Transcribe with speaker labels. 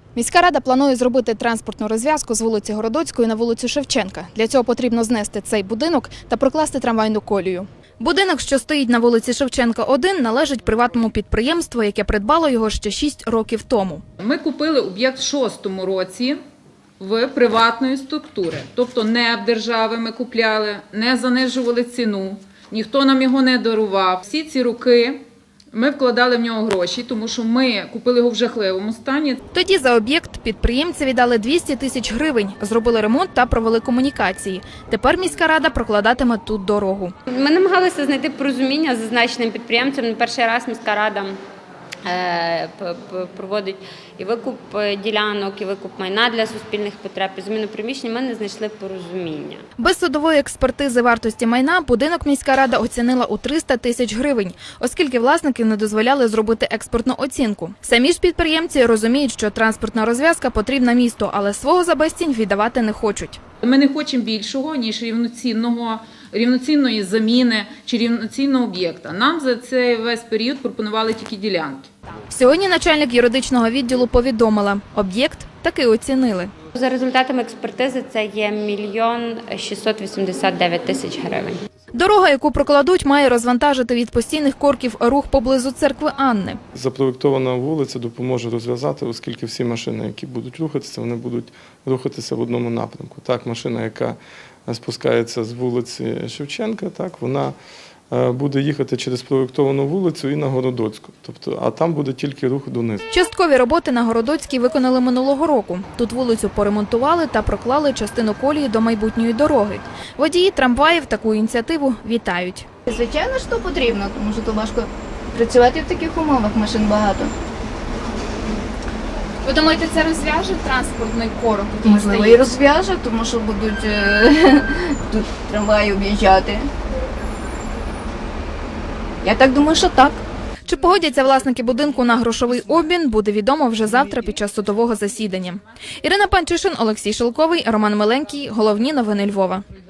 Speaker 1: Міська рада планує зробити транспортну розв'язку з вулиці Городоцької на вулицю Шевченка. Для цього потрібно знести цей будинок та прокласти трамвайну колію. Будинок, що стоїть на вулиці Шевченка 1, належить приватному підприємству, яке придбало його ще 6 років тому.
Speaker 2: Ми купили об'єкт в 2006 році в приватної структури. Тобто не в держави ми купляли, не занижували ціну, ніхто нам його не дарував. Всі ці роки ми вкладали в нього гроші, тому що ми купили його в жахливому стані.
Speaker 1: Тоді за об'єкт підприємці віддали 200 тисяч гривень, зробили ремонт та провели комунікації. Тепер міська рада прокладатиме тут дорогу.
Speaker 3: Ми намагалися знайти порозуміння з зазначеним підприємцем. Не перший раз міська рада проводить і викуп ділянок, і викуп майна для суспільних потреб, і заміну приміщень. Ми не знайшли порозуміння.
Speaker 1: Без судової експертизи вартості майна будинок міська рада оцінила у 300 тисяч гривень, оскільки власники не дозволяли зробити експертну оцінку. Самі ж підприємці розуміють, що транспортна розв'язка потрібна місту, але свого за безцінь віддавати не хочуть.
Speaker 2: Ми не хочемо більшого, ніж рівноцінної заміни чи рівноцінного об'єкта. Нам за цей весь період пропонували тільки ділянки.
Speaker 1: Сьогодні начальник юридичного відділу повідомила, об'єкт таки оцінили.
Speaker 3: За результатами експертизи це є 1 689 000 гривень.
Speaker 1: Дорога, яку прокладуть, має розвантажити від постійних корків рух поблизу церкви Анни.
Speaker 4: Запроєктована вулиця допоможе розв'язати, оскільки всі машини, які будуть рухатися, вони будуть рухатися в одному напрямку. Так, машина, яка спускається з вулиці Шевченка, так, вона буде їхати через проєктовану вулицю і на Городоцьку. Тобто, а там буде тільки рух донизу.
Speaker 1: Часткові роботи на Городоцькій виконали минулого року. Тут вулицю поремонтували та проклали частину колії до майбутньої дороги. Водії трамваїв таку ініціативу вітають.
Speaker 5: Звичайно, що потрібно, тому що то важко працювати в таких умовах, машин багато.
Speaker 1: Ви думаєте, це розв'яже транспортний корок?
Speaker 5: Можливо, і розв'яже, тому що будуть тут трамваї об'їжджати. Я так думаю, що так.
Speaker 1: Чи погодяться власники будинку на грошовий обмін, буде відомо вже завтра під час судового засідання. Ірина Панчишин, Олексій Шелковий, Роман Миленький. Головні новини Львова.